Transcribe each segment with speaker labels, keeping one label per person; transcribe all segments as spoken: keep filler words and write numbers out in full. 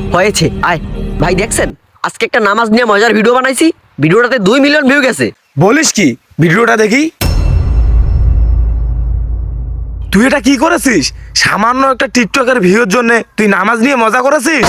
Speaker 1: হয়েছে আয় ভাই, দেখছেন আজকে একটা নামাজ নিয়ে মজার ভিডিও বানাইছি, ভিডিওটাতে দুই মিলিয়ন ভিউ গেছে।
Speaker 2: বলিস কি? ভিডিওটা দেখি। তুই এটা কি করেছিস? সামান্য একটা টিকটকের ভিউর জন্য তুই নামাজ নিয়ে মজা করেছিস?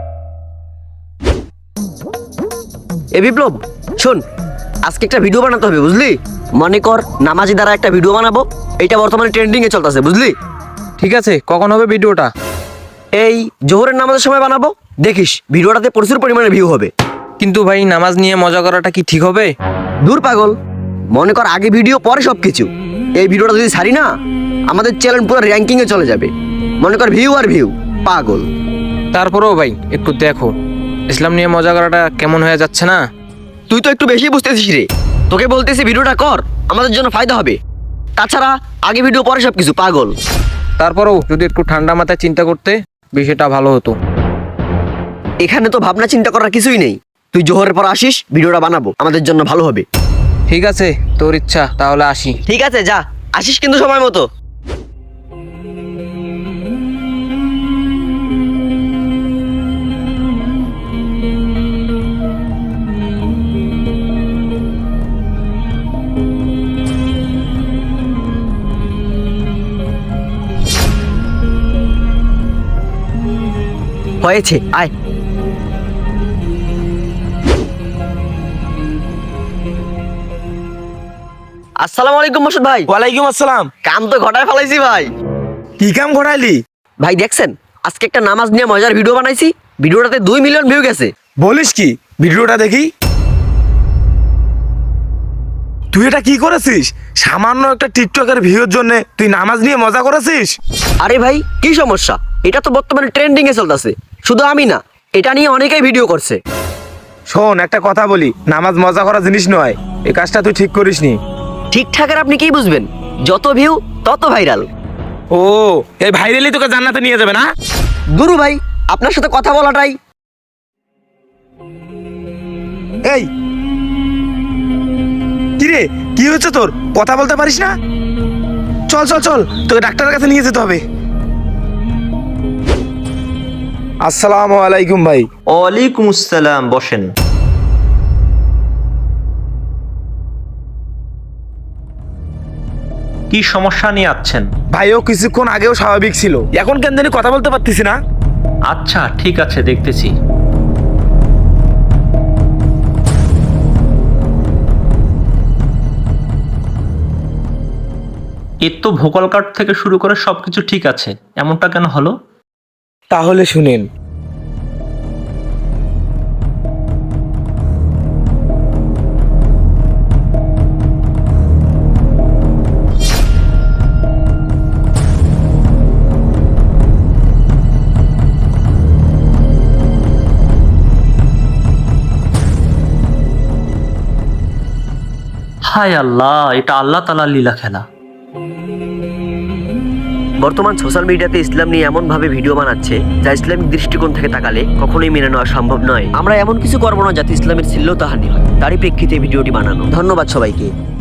Speaker 1: এ বিপ্লব শোন, আজকে একটা ভিডিও বানাতে হবে বুঝলি। মনে কর নামাজি দ্বারা একটা ভিডিও বানাবো, এটা বর্তমানে ট্রেন্ডিং এ চলতেছে বুঝলি।
Speaker 3: ঠিক আছে, কখন হবে ভিডিওটা?
Speaker 1: এই জোহরের নামাজের সময় বানাবো, দেখিস ভিডিওটাতে প্রচুর পরিমাণে ভিউ হবে।
Speaker 3: কিন্তু ভাই নামাজ নিয়ে মজা করাটা কি ঠিক হবে?
Speaker 1: দূর পাগল, মনে কর আগে ভিডিও পরে সব কিছু। এই ভিডিওটা যদি ছাড়ি না, আমাদের চ্যানেল পুরো র্যাঙ্কিং এ চলে যাবে। মনে কর ভিউ আর ভিউ, পাগল।
Speaker 3: তারপরেও ভাই একটু দেখো, ইসলাম নিয়ে মজা করাটা কেমন হয়ে যাচ্ছে না?
Speaker 1: তুই তো একটু বেশি বুঝতেছিস রে, তোকে বলতেছি ভিডিওটা কর, আমাদের জন্য ফায়দা হবে। তাছাড়া আগে ভিডিও পরে সব কিছু, পাগল।
Speaker 3: তারপরেও যদি একটু ঠান্ডা মাথায় চিন্তা করতে, বিষয়টা ভালো হতো।
Speaker 1: এখানে তো ভাবনা চিন্তা করার কিছুই নেই। তুই জোহরের পর আসিস, ভিডিওটা বানাবো, আমাদের জন্য ভালো হবে।
Speaker 3: ঠিক আছে, তোর ইচ্ছা, তাহলে আসি।
Speaker 1: ঠিক আছে যা, আসিস কিন্তু সময় মতো। হয়েছে আয়। আসসালামু আলাইকুম মাসুদ ভাই।
Speaker 2: ওয়ালাইকুম আসসালাম।
Speaker 1: কাম তো ঘটায় ফেলাইছি ভাই।
Speaker 2: কি কাম ঘটাইলি?
Speaker 1: ভাই দেখছেন আজকে একটা নামাজ নিয়ে মজার ভিডিও বানাইছি, ভিডিওটাতে দুই মিলিয়ন ভিউ গেছে।
Speaker 2: বলিস কি? ভিডিওটা দেখি। তুই এটা কি করেছিস? সামান্য একটা টিকটকের ভিউর জন্য তুই নামাজ নিয়ে মজা করেছিস?
Speaker 1: আরে ভাই কি সমস্যা, এটা তো বর্তমানে ট্রেন্ডিং এ চলতেছে। শুধু আমি না, এটা নিয়ে অনেকেই ভিডিও করছে।
Speaker 2: শোন, একটা কথা বলি, নামাজ মজা করা জিনিস নয়। এই কাজটা তুই ঠিক করিসনি।
Speaker 1: ঠিকঠাকের আপনি কি বুঝবেন? যত ভিউ তত ভাইরাল।
Speaker 2: ও, এই ভাইরালি তোকে জান্নাতে নিয়ে যাবে না?
Speaker 1: গুরু ভাই, আপনার সাথে কথা বলাটাই।
Speaker 2: এই কিরে, কি হচ্ছে তোর? কথা বলতে পারিস না? চল চল চল, তোকে ডাক্তারের কাছে নিয়ে যেতে হবে। আসসালামু আলাইকুম ভাই।
Speaker 4: ওয়ালাইকুম আসসালাম, বসেন। কি সমস্যা নিয়ে আসছেন?
Speaker 2: ভাইও কিছুক্ষণ আগেও স্বাভাবিক ছিল, এখন কেন জানি কথা বলতে পারতেছি না।
Speaker 4: আচ্ছা ঠিক আছে, দেখতেছি। এর তো ভোকাল কার্ড থেকে শুরু করে সবকিছু ঠিক আছে, এমনটা কেন হলো?
Speaker 2: তাহলে শুনেন।
Speaker 4: হায় আল্লাহ, এটা আল্লাহ তাআলার লীলা খেলা।
Speaker 1: বর্তমান সোশ্যাল মিডিয়াতে ইসলাম নিয়ে এমন ভাবে ভিডিও বানাচ্ছে, যা ইসলামিক দৃষ্টিকোণ থেকে তাকালে কখনোই মেনে নেওয়া সম্ভব নয়। আমরা এমন কিছু করবো না যাতে ইসলামের ছিল্লতাহানি হয়, তারই প্রেক্ষিতে ভিডিওটি বানানো। ধন্যবাদ সবাইকে।